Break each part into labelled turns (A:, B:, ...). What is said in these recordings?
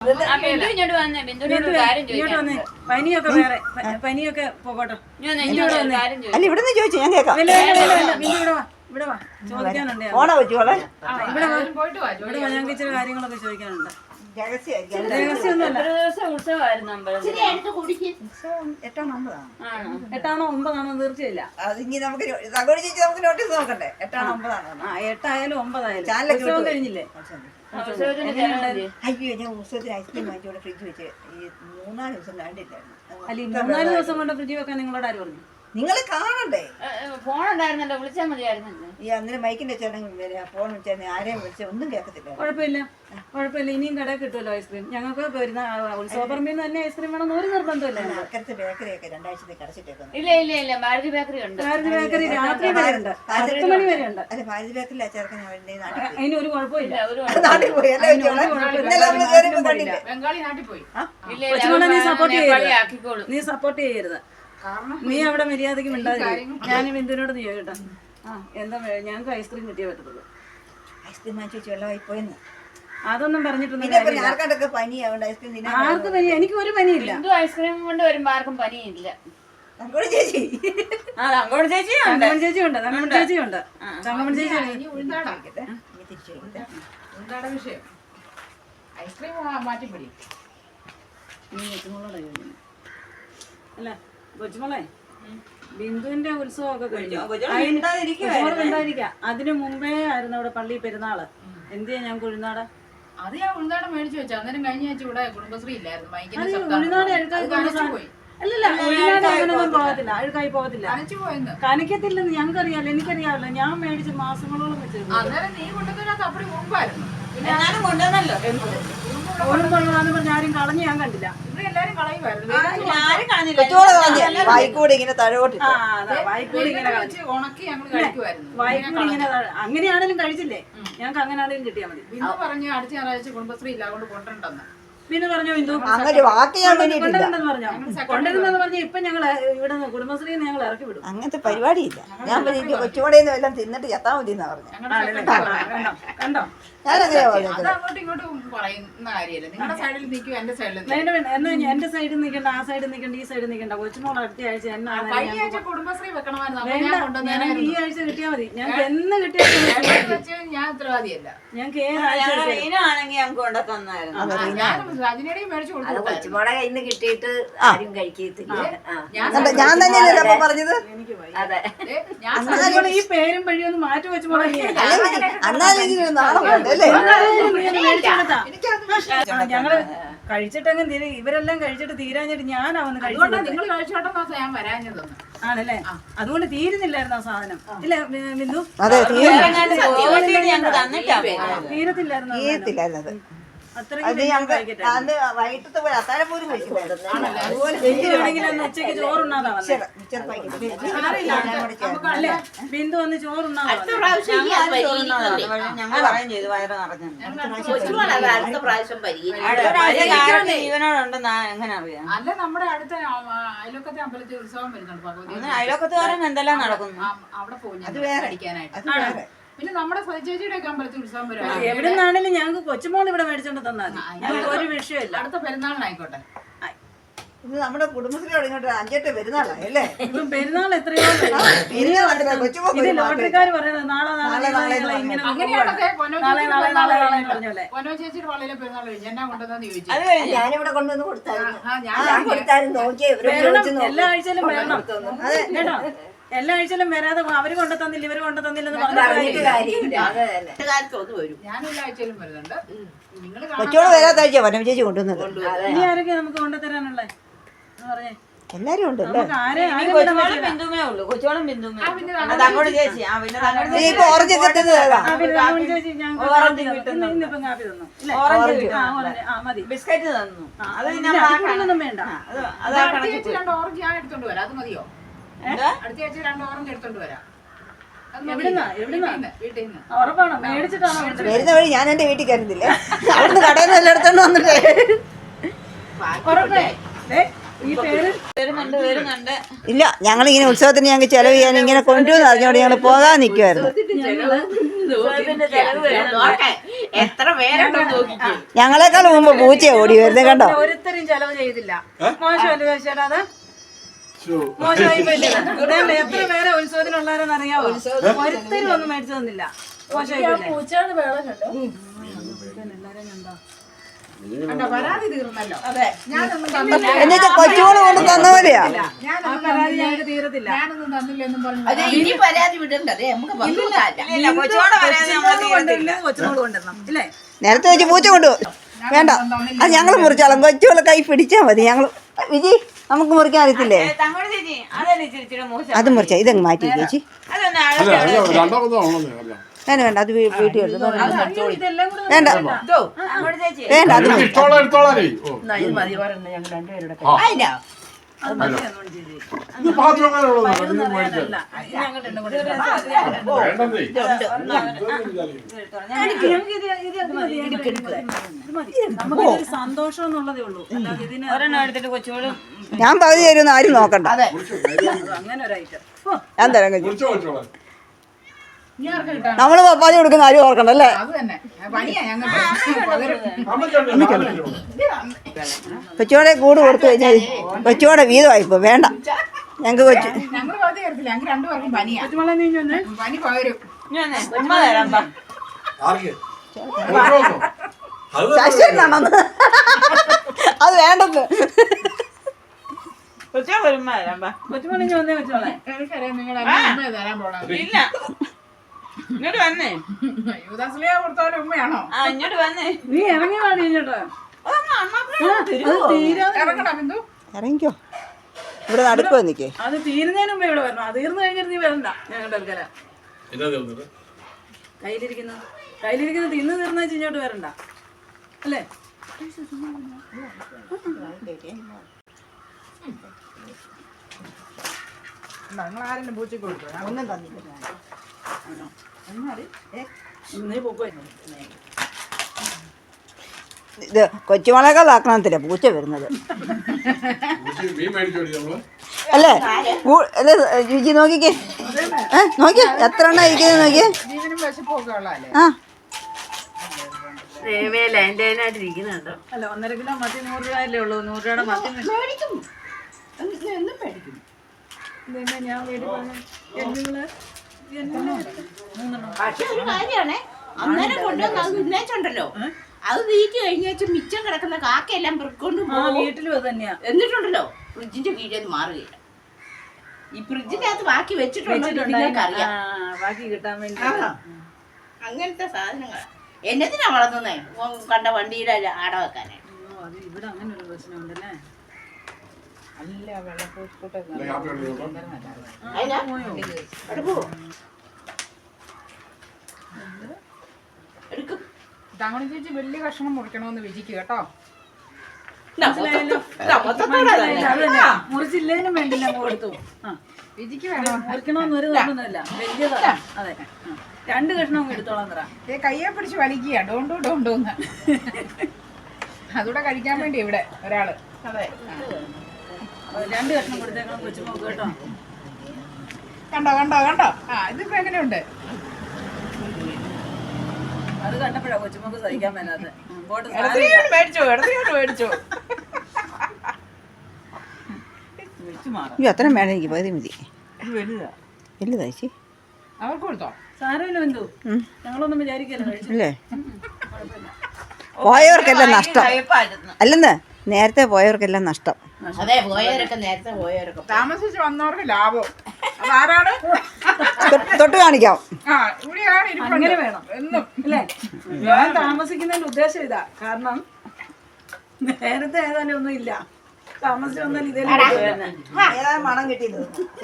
A: പനിയൊക്കെ വേറെ പനിയൊക്കെ പോകട്ടെ.
B: അല്ല ഇവിടെ നിന്ന് ചോദിച്ചു ഞാൻ കേൾക്കാം.
A: ഇവിടെ വാ ചോദിക്കാനുണ്ട്.
B: ഓണ വെച്ചോളെ
A: ഇവിടെ വാ ഞങ്ങൾക്ക് ഇച്ചിരി കാര്യങ്ങളൊക്കെ ചോദിക്കാനുണ്ട്. എട്ടാണോ ഒമ്പതാണോ തീർച്ചയില്ല.
B: അതിങ്ങി നമുക്ക് നമുക്ക് നോട്ടീസ് നോക്കണ്ടേ. 8 ആണോ 9 ആണോ?
A: 8 ആയാലും 9 ആയാലും ഉത്സവം കഴിഞ്ഞില്ലേ?
B: അയ്യോ ഞാൻ ഉത്സവത്തിന് ഐസ്ക്രീം വാങ്ങിച്ചോടെ ഫ്രിഡ്ജ് വെച്ച് ഈ 3-4 ദിവസം കണ്ടില്ലായിരുന്നു.
A: അല്ല ഈ 3-4 ദിവസം കൊണ്ട് ഫ്രിഡ്ജ് വെക്കാൻ നിങ്ങളോട് ആര് പറഞ്ഞു?
B: നിങ്ങൾ കാണണ്ടേ?
C: ഫോൺ ഉണ്ടായിരുന്നല്ലോ, വിളിച്ചാൽ മതിയായിരുന്നല്ലോ.
B: ഈ അന്നേരം മൈക്കിന്റെ ചേട്ടൻ ഫോൺ വിളിച്ചാൽ ആരെയും വിളിച്ചാൽ ഒന്നും കേൾക്കത്തില്ല.
A: കുഴപ്പമില്ല ഇനിയും കടയിൽ കിട്ടുമല്ലോ ഐസ്ക്രീം. ഞങ്ങൾക്ക് വരുന്ന ഉത്സവപ്പറമ്പിൽ നിന്ന് തന്നെ ഐസ്ക്രീം വേണമെന്ന് ഒരു നിർബന്ധമില്ല.
B: അക്കരത്തെ ബേക്കറിയൊക്കെ 2 ആഴ്ചത്തേക്ക് അടച്ചിട്ടേക്കുന്നു.
C: ഇല്ല ഭാരതി ബേക്കറി ഉണ്ട്.
A: ഭാരതി ബേക്കറി രാത്രി വരെ ഉണ്ട്, 10 മണി വരെ ഉണ്ട്.
B: അല്ല ഭാരതി ബേക്കറിൽ ചേർക്കാൻ
A: അതിന് ഒരു കുഴപ്പമില്ല.
B: നാട്ടിൽ പോയി
A: കൊച്ചുമോളെ നീ സപ്പോർട്ട് ചെയ്യരുത്. നീ സപ്പോർട്ട് ചെയ്യരുത്. നീ അവിടെ മര്യാദക്ക് മിണ്ടാതിരിക്കും. ഞാൻ ബിന്ദുവിനോട് നീ കേട്ടോ. എന്താ ഞങ്ങൾക്ക് ഐസ്ക്രീം കിട്ടിയേ പറ്റത്തുള്ളൂ.
B: ഐസ്ക്രീം വാങ്ങിച്ചു വെള്ളമായി പോയെന്ന്
A: അതൊന്നും പറഞ്ഞിട്ടൊന്നും
B: ആർക്കാണ്ടൊക്കെ പനിയാവുണ്ട് ഐസ്ക്രീം.
A: ആർക്ക് പനി? എനിക്ക് ഒരു പനിയില്ല.
C: ഐസ്ക്രീം കൊണ്ട് വരുമ്പോ ആർക്കും പനിയില്ല.
B: തങ്കമണി ചേച്ചി
A: തങ്കമണി ചേച്ചിയുണ്ട്. തങ്കമണി ചേച്ചിയുണ്ട്. തങ്കമണി ചേച്ചി
D: വിഷയം ഐസ്ക്രീം മാറ്റിപ്പിടി.
A: അല്ല കൊച്ചുമോളെ ബിന്ദുവിന്റെ ഉത്സവമൊക്കെ കഴിഞ്ഞു. അതിനു മുമ്പേ ആയിരുന്നു അവിടെ പള്ളി പെരുന്നാള്. എന്തിയാ ഞാൻ കുഴിനാട്
D: അത് ഞാൻ ഉൾനാടൻ മേടിച്ചു വെച്ചു. അന്നേരം കഴിഞ്ഞ ആഴ്ച ഇവിടെ കുടുംബശ്രീ ഇല്ലായിരുന്നു.
A: ഉഴിനാട് അല്ലല്ല ഉഴിനാട് അങ്ങനൊന്നും പോകത്തില്ല, അഴുക്കായി പോകത്തില്ല, കനക്കത്തില്ലെന്ന് ഞങ്ങൾക്കറിയാലോ. എനിക്കറിയാമല്ലോ, ഞാൻ മേടിച്ച് മാസങ്ങളോളം വെച്ചിരുന്നു.
D: അന്നേരം നീ കൊണ്ടുവന്നത് അപ്പടി മുമ്പായിരുന്നു.
C: കൊണ്ടുവന്നല്ലോ
A: ഓടുമ്പോഴാന്ന് പറഞ്ഞ ആരും കളഞ്ഞ് ഞാൻ കണ്ടില്ല.
D: ഇവിടെ എല്ലാരും കളയുമായിരുന്നു.
B: വായിക്കൂടെ ഇങ്ങനെ തഴോട്ടിട്ട്
A: വായിക്കൂടി ഇങ്ങനെ
D: ഉണക്കി ഞങ്ങൾ കഴിക്കുമായിരുന്നു.
A: വായിക്കൂടി ഇങ്ങനെ അങ്ങനെയാണെങ്കിലും കഴിച്ചില്ലേ? ഞങ്ങൾക്ക് അങ്ങനെയാണെങ്കിലും കിട്ടിയാൽ മതി.
D: ബിന്ദു പറഞ്ഞു അടുത്ത ഞായറാഴ്ച കുടുംബശ്രീ ഇല്ല അതുകൊണ്ട് കൊണ്ടുണ്ടെന്ന്.
A: പിന്നെ പറഞ്ഞു ബിന്ദു
B: അങ്ങനെ വാക്ക് ഞാൻ
A: കൊണ്ടുവരുന്നെന്ന് പറഞ്ഞു. കൊണ്ടുവരുന്നെന്ന് പറഞ്ഞ ഇപ്പൊ ഞങ്ങൾ ഇവിടെ കുടുംബശ്രീ ഞങ്ങൾ ഇറക്കി വിടും.
B: അങ്ങനത്തെ പരിപാടിയില്ല. ഞാൻ കൊച്ചുകൂടെന്ന് എല്ലാം തിന്നിട്ട് ചത്താ മതി എന്നാ പറഞ്ഞു.
A: കണ്ടോ
B: ഞാനങ്ങനെയാ
D: അത് അങ്ങോട്ടും ഇങ്ങോട്ടും പറയുന്ന കാര്യമല്ല. നിങ്ങളുടെ സൈഡിൽ നിൽക്കും എന്റെ സൈഡിൽ
A: എന്നാ എന്റെ സൈഡിൽ നിൽക്കണ്ട, ആ സൈഡിൽ നിൽക്കണ്ട, ഈ സൈഡിൽ നിൽക്കണ്ട. കൊച്ചുമോൾ അടുത്ത ആഴ്ച
D: കുടുംബശ്രീ വെക്കണമായിരുന്നു.
A: ഈ ആഴ്ച കിട്ടിയാൽ മതി. ഞങ്ങൾക്ക് എന്ന് കിട്ടിയാൽ
D: ഞാൻ ഉത്തരവാദിയല്ല.
A: ഞങ്ങൾക്ക് ഏതാഴ്ച
C: ആണെങ്കിൽ ഞങ്ങൾക്ക് കൊണ്ടുതന്നായിരുന്നു.
D: രജനിയുടെയും മേടിച്ചു കൊടുത്തു.
C: കൊച്ചുമോടെ കയ്യിൽ നിന്ന് കിട്ടിയിട്ട് ആരും കഴിക്കത്തില്ല.
B: ഞാൻ തന്നെയല്ലേ പറഞ്ഞത്.
A: ഈ പേരും വഴിയൊന്നും മാറ്റി വെച്ച് ഞങ്ങള് കഴിച്ചിട്ടെങ്കിലും ഇവരെല്ലാം കഴിച്ചിട്ട് തീരാഞ്ഞിട്ട് ഞാനാവന്ന് കഴിച്ചോട്ടെ.
D: നിങ്ങൾ കഴിച്ചോട്ടെന്നാ ഞാൻ വരാഞ്ഞതൊന്നും
A: ആണല്ലേ? അതുകൊണ്ട് തീരുന്നില്ലായിരുന്നു ആ സാധനം. ഇല്ല ബിന്ദു,
B: തീരത്തില്ലായിരുന്നു. വൈകിട്ടത്തെ പോലെ അത്താഴം പോലും
A: ഉച്ചക്ക് ചോറുണ്ണാതാ ബിന്ദു വന്ന് ചോറുണ്ണാതാ.
C: ഞങ്ങൾ പറയും ചെയ്തു വയറ് നിറഞ്ഞു. ജീവനോടുണ്ടെന്നാ എങ്ങനെ അറിയാം?
D: അല്ല നമ്മുടെ അടുത്ത അയൽവക്കത്തെ അമ്പലത്തിൽ ഉത്സവം വരുന്നുണ്ട്.
C: അയൽവക്കത്തുകാരൻ എന്തെല്ലാം നടക്കുന്നു
D: അവിടെ പോകും അടിക്കാനായിട്ട്. പിന്നെ നമ്മുടെ സജിയുടെ ഒക്കെ അമ്പലത്തിൽ ഉത്സവം വരും.
A: എവിടെ നിന്നാണെങ്കിലും ഞങ്ങൾക്ക് കൊച്ചുമോൾ ഇവിടെ മേടിച്ചോണ്ട് തന്നാൽ മതി. ഒരു വിഷയമില്ല.
D: അടുത്ത പെരുന്നാളിനായിക്കോട്ടെ.
B: ഇത് നമ്മുടെ കുടുംബശ്രീയോട് ഇങ്ങോട്ട് 5-8 പെരുന്നാളായി അല്ലേ?
A: ഇപ്പം പെരുന്നാൾ എത്രയോ ലോട്ടറിക്കാർ പറയുന്നത് നാളെ ഇങ്ങനെ
D: പൊന്നോ ചേച്ചിയുടെ പള്ളിയിലെ പെരുന്നാൾ കഴിഞ്ഞു. എന്നാ കൊണ്ടുവന്നു ചോദിച്ചു.
B: ഞാനിവിടെ കൊണ്ടുവന്ന് കൊടുത്തായിരുന്നു.
A: എല്ലാ ആഴ്ചയിലും വരണം കേട്ടോ. എല്ലാ ആഴ്ചയിലും വരാതെ അവര് കൊണ്ടുതന്നില്ല ഇവര് കൊണ്ടുതന്നില്ലെന്ന് പറഞ്ഞിട്ട്
D: ഞാൻ എല്ലാ ആഴ്ചയിലും വരുന്നുണ്ട്.
B: കൊച്ചോട് വരാത്ത ആഴ്ച വനം ചേച്ചി കൊണ്ടുവന്നത്.
A: ഇനി ആരൊക്കെ നമുക്ക് കൊണ്ടുതരാനുള്ളേ പറഞ്ഞേ?
B: എല്ലാരും ഉണ്ട്.
C: ബിന്ദുമേ ഉള്ളൂ. കൊച്ചോളം ബിന്ദുമേ.
B: ഓറഞ്ച് ഒക്കെ
C: ബിസ്ക്കറ്റ് തന്നു.
A: അത് വേണ്ട.
D: അടുത്ത 2 ഓറഞ്ച് ഞാൻ എടുത്തോണ്ട് വരാം. അത് മതിയോ? അടുത്ത ആഴ്ച 2 ഓറഞ്ച് എടുത്തോണ്ട് വരാം.
A: ഉറപ്പാണോ? മേടിച്ചിട്ടാണോ?
B: വരുന്ന വഴി ഞാൻ എന്റെ വീട്ടിൽ കയറുന്നില്ലേ? അവിടുന്ന് കടയിൽ നിന്ന് എല്ലാം എടുത്തോണ്ട് വന്നിട്ടേ
A: ഈ പേര്
C: വരുന്നുണ്ട്.
B: ഇല്ല, ഞങ്ങളിങ്ങനെ ഉത്സവത്തിന് ഞങ്ങൾക്ക് ചെലവ് ചെയ്യാൻ ഇങ്ങനെ കൊണ്ടുവന്ന് അറിഞ്ഞോണ്ട് ഞങ്ങൾ പോകാൻ നിൽക്കുമായിരുന്നു.
D: എത്ര പേരുണ്ടോ നോക്കിക്കേ.
B: ഞങ്ങളെക്കാൾ മുമ്പ് പൂച്ച ഓടി വരുന്നത് കണ്ടോ.
A: ഒരുത്തരും ചെലവ് ചെയ്തില്ല. മോശമല്ലേ ചേട്ടാ അത്? മോശമായി പോയില്ലേ? ഇതല്ലേ എത്ര പേരെ ഉത്സവത്തിനുള്ളവരെന്ന് അറിയാവോ? ഒരുത്തരും ഒന്നും മേടിച്ചു തന്നില്ല. മോശമായി പോയില്ലേ?
D: കണ്ടോ, പരാതി തീർന്നല്ലോ.
B: എന്നിട്ട് കൊച്ചുമോള് കൊണ്ട് തന്ന പോലെയാ.
A: ആ പരാതി ഞങ്ങൾക്ക് തീരത്തില്ല.
D: ഞാനൊന്നും തന്നില്ലെന്നും പറഞ്ഞു.
C: ഇല്ല, കൊച്ചുമോടെ പരാതി നമ്മള് തീരത്തില്ല.
A: കൊച്ചുമോള് കൊണ്ടുവരണം ഇല്ലേ?
B: നേരത്തെ വെച്ച് പൂച്ച കൊണ്ടുപോകും. വേണ്ട, അത് ഞങ്ങൾ മുറിച്ചോളാം. കൊച്ചുമോളെ കൈ പിടിച്ചാൽ മതി. ഞങ്ങൾ വിജി നമുക്ക് മുറിക്കാൻ അറിയത്തില്ലേ?
C: തങ്ങോട് ചേച്ചി അതല്ലേ ഇച്ചിരി മോശം.
B: അത് മുറിച്ചാ ഇതങ്ങ് മാറ്റി ചേച്ചി.
C: അതൊന്ന്
B: വേണ്ട വേണ്ട, അത് വീട്ടിൽ എടുത്തു.
A: ഇതെല്ലാം കൂടെ
B: വേണ്ട
C: അങ്ങോട്ട് ചേച്ചി
B: വേണ്ട, അത് മതി.
A: നമുക്കൊരു സന്തോഷം എന്നുള്ളതേ ഉള്ളൂ. അല്ലാതെ ഇതിന്
C: ഒരെണ്ണം എടുത്തിട്ട് കൊച്ചുമോളും
B: ഞാൻ പകുതി തരുമെന്ന് ആരും നോക്കണ്ട.
A: അങ്ങനെ ഒരു ഐറ്റം.
B: ഞാൻ തരാം കൊച്ചു.
D: ഇനി ആർക്ക് കിട്ടാൻ?
B: നമ്മള് പപ്പാതി കൊടുക്കുന്ന ആരും ഓർക്കണ്ട അല്ലേ?
D: അത് തന്നെ പണിയാ ഞങ്ങൾക്ക്.
B: കൊച്ചുവോടെ കൂട് കൊടുത്തു കഴിഞ്ഞാൽ കൊച്ചുവോടെ വീതമായിപ്പോ വേണ്ട. ഞങ്ങൾക്ക് കൊച്ചു
D: ഞങ്ങള് പകുതി തരത്തില്ല. ഞങ്ങൾക്ക് രണ്ടുപേർക്കും പനിയാ.
A: കൊച്ചുമോളെ നീ ഇഞ്ഞ് വന്നേ.
D: പനി പകരും.
C: ഉമ്മ തരാം പാ.
B: ശശിയാണെന്ന് അത് വേണ്ടെന്ന്.
C: കൊച്ചുമോൾ ഒരു ഉമ്മ തരാം പാ.
A: കൊച്ചുമോളെ ഇഞ്ഞ് വന്നേ. കൊച്ചുമോളെ
D: എനിക്കറിയാം നിങ്ങൾ ഉമ്മ തരാൻ പോണത്.
C: ഇല്ല, ഇങ്ങോട്ട് വന്നേ.
D: യൂദാസ്ലിയ കൊടുത്തോലെ ഉമ്മയാണോ?
C: ആ, ഇങ്ങോട്ട് വന്നേ.
A: നീ ഇറങ്ങി പാടി കഴിഞ്ഞോട്ടോ. അത് തീരാതെ
D: ഇറങ്ങണം ബിന്ദു.
B: ഇറങ്ങിക്കോ, ഇവിടെ നടുക്ക് വന്നിക്കേ.
A: അത് തീരുന്നതിന് മുമ്പേ ഇവിടെ വരണം. അത് തീർന്നു കഴിഞ്ഞിട്ട് നീ വരണ്ട ഞങ്ങളുടെ അടുക്കല. കയ്യിലിരിക്കുന്ന തിന്ന് തീർന്നു വെച്ച് ഇങ്ങോട്ട് വരണ്ട അല്ലേ?
D: നിങ്ങൾ ആരെങ്കിലും പൂച്ചയ്ക്ക് കൊടുത്തു?
B: ഒന്നും തന്നില്ല.
A: നീ പൊക്കോ.
B: ഇത് കൊച്ചുമളകൾ ആക്രമണത്തില്ല പൂച്ച വരുന്നത് അല്ലേ? അല്ലേ രുചി നോക്കിക്കേ. നോക്കിയേ എത്ര എണ്ണ ഇരിക്കുന്നത് നോക്കിയേ.
D: ജീവനും വിശപ്പൊക്കെ ഉള്ളതല്ലേ?
B: ആ
A: അല്ല 1.5 കിലോ മത്തി 100 രൂപയല്ലേ ഉള്ളൂ. 100 രൂപയുടെ മത്തി
D: മേടിക്കും. എന്നും മേടിക്കും.
A: ഇതെന്നെ ഞാൻ വീട്ടിൽ പറഞ്ഞു. എന്നുങ്ങള്
E: പക്ഷെ ഒരു കാര്യമാണ്, അന്നേരം കൊണ്ടുവന്ന് അത് തിന്നേച്ചുണ്ടല്ലോ, അത് തീറ്റി കഴിഞ്ഞേച്ച് മിച്ചം കിടക്കുന്ന കാക്കയെല്ലാം പെറുക്കൊണ്ട്
A: ആ വീട്ടിലും അത് തന്നെയാ.
E: എന്നിട്ടുണ്ടല്ലോ ഫ്രിഡ്ജിന്റെ കീഴിൽ മാറുകയില്ല. ഈ ഫ്രിഡ്ജിന്റെ അകത്ത് ബാക്കി വെച്ചിട്ടുണ്ടെങ്കിൽ നിങ്ങൾക്കറിയാം.
A: ബാക്കി കിട്ടാൻ വേണ്ടി
E: അങ്ങനത്തെ സാധനങ്ങൾ എന്നതിനാ വളർത്തുന്നേ? കണ്ട വണ്ടിയുടെ ആട വെക്കാനേ.
A: അത് ഇവിടെ അങ്ങനെ ഒരു പ്രശ്നമുണ്ടല്ലേ.
D: നല്ല വെള്ളപ്പൂട്ടൊക്കെ തങ്ങണി ചേച്ചി വലിയ കഷ്ണം മുറിക്കണമെന്ന് വിചിക്ക് കേട്ടോ.
A: മുറിച്ചില്ലേനും വേണ്ടില്ല കൊടുത്തു.
D: വിജിക്ക് വേണം.
A: മുറിക്കണമെന്നൊരു നിർബന്ധമില്ല. വലിയതാ. അതെ, 2 കഷ്ണം എടുത്തോളാം തറ.
D: കയ്യെ പിടിച്ച് വലിക്കുക ഡോണ്ടു ഡോണ്ടോന്ന്. അതുകൂടെ കഴിക്കാൻ വേണ്ടി ഇവിടെ ഒരാള്.
E: അതെ,
A: 2 കഷ്ണം കൊടുത്തേക്കണം കൊച്ചു നോക്ക് കേട്ടോ.
D: കണ്ടോ കണ്ടോ കണ്ടോ. ആ ഇതിപ്പോ എങ്ങനെയുണ്ട്?
A: അത് കണ്ടപ്പോഴാ കൊച്ചുമോക്ക് സഹിക്കാൻ മേലാതെ.
D: മേടിച്ചോ ഇടത്തിയോട്ട് മേടിച്ചോ.
B: അയ്യോ അത്ര വേണം എനിക്ക് പകുതി മതി. വലുതാ ചേച്ചി.
D: അവർക്ക് കൊടുത്തോ?
A: സാരമില്ല ബന്ധു, ഞങ്ങളൊന്നും വിചാരിക്കല്ലോ.
B: അല്ലേ പോയവർക്കെല്ലാം നഷ്ടം അല്ലെന്ന്. നേരത്തെ പോയവർക്കെല്ലാം നഷ്ടം.
E: അതെ, പോയവരൊക്കെ നേരത്തെ പോയവരൊക്കെ.
D: താമസിച്ച് വന്നവർക്ക് ലാഭം. അതാരാണ്?
B: തൊട്ട് കാണിക്കാം.
D: ആ ഇവിടെയാണ് ഇരിപ്പുണ്ട്.
A: അങ്ങനെ വേണം
D: എന്നും
A: അല്ലേ? ഞാൻ താമസിക്കുന്നതിന്റെ ഉദ്ദേശം ഇതാ. കാരണം നേരത്തെ ഏതാനും ഒന്നും ഇല്ല. താമസിച്ച് വന്നാൽ ഇതേ
B: മണം കിട്ടിയത്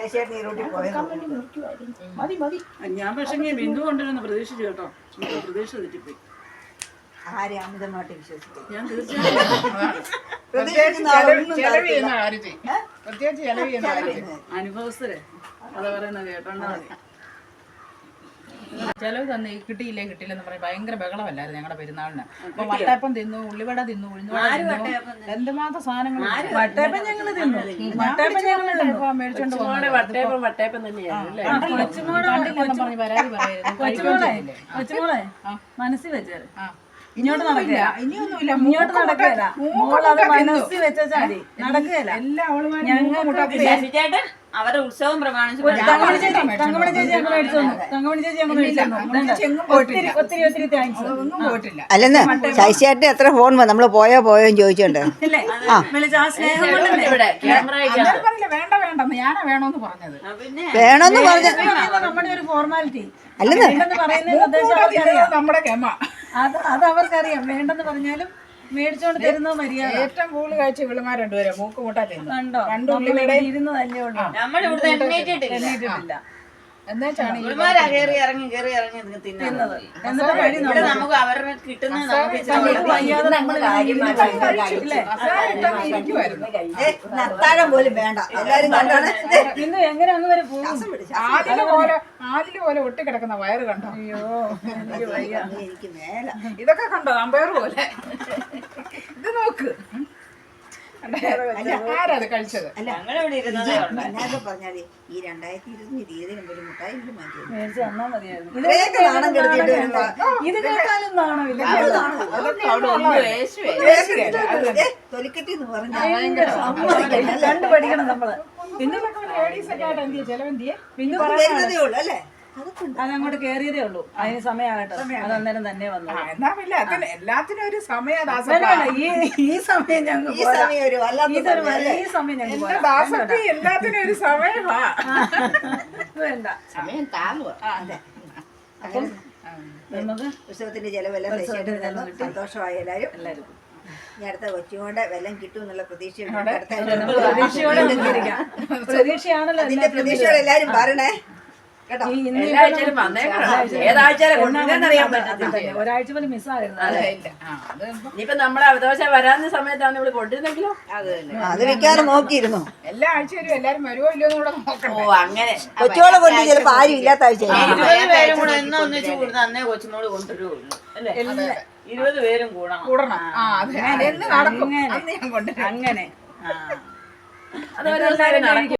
A: ഞാൻ പക്ഷേ ബിന്ദു കൊണ്ടുവരുന്ന പ്രതീക്ഷിച്ചു കേട്ടോ. പ്രതീക്ഷ തെറ്റിപ്പോയി.
B: ആരെ അമിതമായിട്ട് വിശ്വസിക്കും.
A: ഞാൻ തീർച്ചയായും
D: ചെലവ് ചെയ്യുന്ന കാര്യത്തിൽ പ്രത്യേകിച്ച് ചെലവ് ചെയ്യുന്ന കാര്യത്തിൽ
A: അനുഭവസ്ഥരെ അത് പറയുന്ന കേട്ടോണ്ടാ മതി.
D: ചെലവ് തന്നെ കിട്ടിയില്ലെന്ന് പറഞ്ഞ് ഭയങ്കര ബഹളമല്ലായിരുന്നു ഞങ്ങളുടെ പെരുന്നാളിന്. അപ്പൊ വട്ടയപ്പം തിന്നു, ഉള്ളിവട തിന്നു, ഉഴുന്നുവട തിന്നു, എന്തുമാത്രം സാധനങ്ങൾ.
A: വട്ടയപ്പം ഞങ്ങള് തിന്നു. വട്ടയപ്പം ഞങ്ങള്
D: മേടിച്ചോണ്ട് വട്ടയപ്പം കണ്ടില്ലെന്ന് പറഞ്ഞ് പരാതി പറയായിരുന്നു.
A: കൊച്ചുമോളെ മനസ്സിൽ വെച്ചേര്.
D: ഇങ്ങോട്ട് നടക്കില്ല, ഇനിയൊന്നുമില്ല,
A: ഇങ്ങോട്ട് നടക്കുകയില്ല. മോളത് മനസ്സിൽ വെച്ചാൽ മതി, നടക്കുകയില്ല.
D: എല്ലാ അവളുമാരും
C: ചേട്ടൻ അവരുടെ ഉത്സവം പ്രമാണിച്ച്
A: തങ്കമണി ചേച്ചി ഞങ്ങൾ മേടിച്ചു തന്നു. തങ്കമണി ചേച്ചി ഞങ്ങൾ മേടിച്ചു തന്നു. ഒത്തിരി ഒത്തിരി ഒത്തിരി താങ്ക്സ്.
D: ഒന്നും പോയിട്ടില്ല.
B: അല്ലെന്ന് ശശിയേട്ടൻ എത്ര ഫോൺ വന്നു നമ്മള് പോയോന്ന് ചോദിച്ചോണ്ട്
A: ഇല്ലേ വിളിച്ച ആ സ്നേഹം കൊണ്ടല്ലേ
D: അന്നേരം പറഞ്ഞില്ല വേണ്ട വേണ്ടെന്ന്, ഞാനാ വേണോന്ന് പറഞ്ഞത്.
C: പിന്നെ
B: വേണോന്ന് പറഞ്ഞ
A: നമ്മുടെ ഒരു ഫോർമാലിറ്റി.
B: അല്ലെന്ന്
A: വേണ്ടെന്ന് പറയുന്നതിന്റെ ഉദ്ദേശം അവർക്കറിയാം.
D: നമ്മുടെ ക്ഷമ
A: അത് അവർക്കറിയാം. വേണ്ടെന്ന് പറഞ്ഞാലും മേടിച്ചോണ്ട് തരുന്ന മര്യാദ.
D: ഏറ്റവും കൂടുതൽ കഴിച്ച ഇവിളുമാർ രണ്ടുപേരെ മൂക്ക് മുട്ടാ തിന്നു.
A: കണ്ടോ
D: രണ്ടു ഉള്ളിവിടെ
A: ഇരുന്ന് തന്നെ ഉള്ളൂ.
C: നമ്മളിവിടുന്ന് എണ്ണീറ്റിട്ടില്ല.
D: എന്നുവെച്ചാണ്
C: ഇവന്മാരാ കേറി ഇറങ്ങി തിന്നത്.
A: എന്നിട്ട് വഴി
C: ഇവിടെ നമുക്ക് അവരുടെ കിട്ടുന്നത് നമുക്ക് ഇച്ചിരി
A: വയ്യാതെ നമ്മള്
B: നത്താഴം പോലും വേണ്ട എല്ലാരും കണ്ടാണ്
A: ഇന്ന് എങ്ങനെ അങ്ങ് വരെ പോകും.
D: ആലില് പോലെ ഒട്ടിക്കിടക്കുന്ന വയറ് കണ്ടോ?
A: അയ്യോ എനിക്ക് വയ്യ.
B: എനിക്ക് മേല
D: ഇതൊക്കെ കണ്ടോ അമ്പയർ പോലെ? ഇത് നോക്ക്, ആരാത് കഴിച്ചത്?
C: ഞങ്ങളിവിടെ ഇരുന്നതേ ഉള്ളൂ.
B: എന്നാലും പറഞ്ഞാല് ഈ 2020 തീയതി ഒരു മുട്ടായി മാറ്റി
A: മേടിച്ച് തന്നാ മതിയായിരുന്നു.
B: ഇത്രയൊക്കെ നാണം കെടുത്തിട്ട് വരുമ്പോ
A: ഇത് കേട്ടാലും നാണമില്ല.
B: തൊലിക്കെട്ടി എന്ന്
A: കണ്ടു പഠിക്കണം നമ്മള്.
D: പിന്നെ ലേഡീസ് ഒക്കെ ആയിട്ട് എന്തിയെ ചെലവെന്തിയെ?
A: പിന്നെ
B: പറഞ്ഞതേ ഉള്ളു അല്ലേ
A: അതങ്ങോട്ട് കേറിയതേ ഉള്ളൂ. അതിന് സമയമാകട്ടെ. അത് അന്നേരം തന്നെ വന്നു.
D: എന്നാ പിന്നെ അതിന് എല്ലാത്തിനും ഒരു സമയദാസ.
A: ഈ സമയം ഞങ്ങൾ
B: ഈ സമയം ഒരു വല്ലാത്ത
A: ഈ സമയം ഞങ്ങൾ
D: എന്റെ ദാസത്തി എല്ലാത്തിനും ഒരു സമയമാ.
A: വേണ്ട
E: സമയം താങ്ങുക.
A: നമുക്ക്
B: ഉത്സവത്തിന്റെ ചെലവെല്ലാം സന്തോഷമായി എല്ലാരും ഇനി അടുത്ത കൊച്ചുകൊണ്ട് വെല്ലം കിട്ടും എന്നുള്ള പ്രതീക്ഷയുണ്ട്.
A: പ്രതീക്ഷയോടെ നിന്നിരിക്കാം. പ്രതീക്ഷയാണല്ലോ
B: അതിന്റെ പ്രതീക്ഷയോടെ എല്ലാരും പറയണേ കേട്ടോ.
A: ഒരാഴ്ച പോലും മിസ്സായിരുന്നു.
F: ഇനിയിപ്പോ നമ്മളെ അവകാശം വരാവുന്ന സമയത്താണ് ഇവിടെ കൊണ്ടിരുന്നെങ്കിലോ
B: അത് വെക്കാറ് നോക്കിയിരുന്നു.
D: എല്ലാ ആഴ്ചയിലും എല്ലാരും വരുമോ ഇല്ലയോ കൂടെ നോക്കണം.
F: ഓ അങ്ങനെ
B: കൊച്ചുകളെ കൊണ്ട് ചിലപ്പോ ആരും ഇല്ലാത്ത ആഴ്ച
C: 20 പേരും കൂടെ എന്നും ഒന്നിച്ച് കൂടുന്ന അന്നേ കൊച്ചുമോള് കൊണ്ടുവരുള്ളൂ അല്ലേ? 20 പേരും
D: കൂടണം. അതെ എന്ന് നടക്കും. അന്ന് ഞാൻ കൊണ്ടുവരും.
A: അങ്ങനെ
F: അത്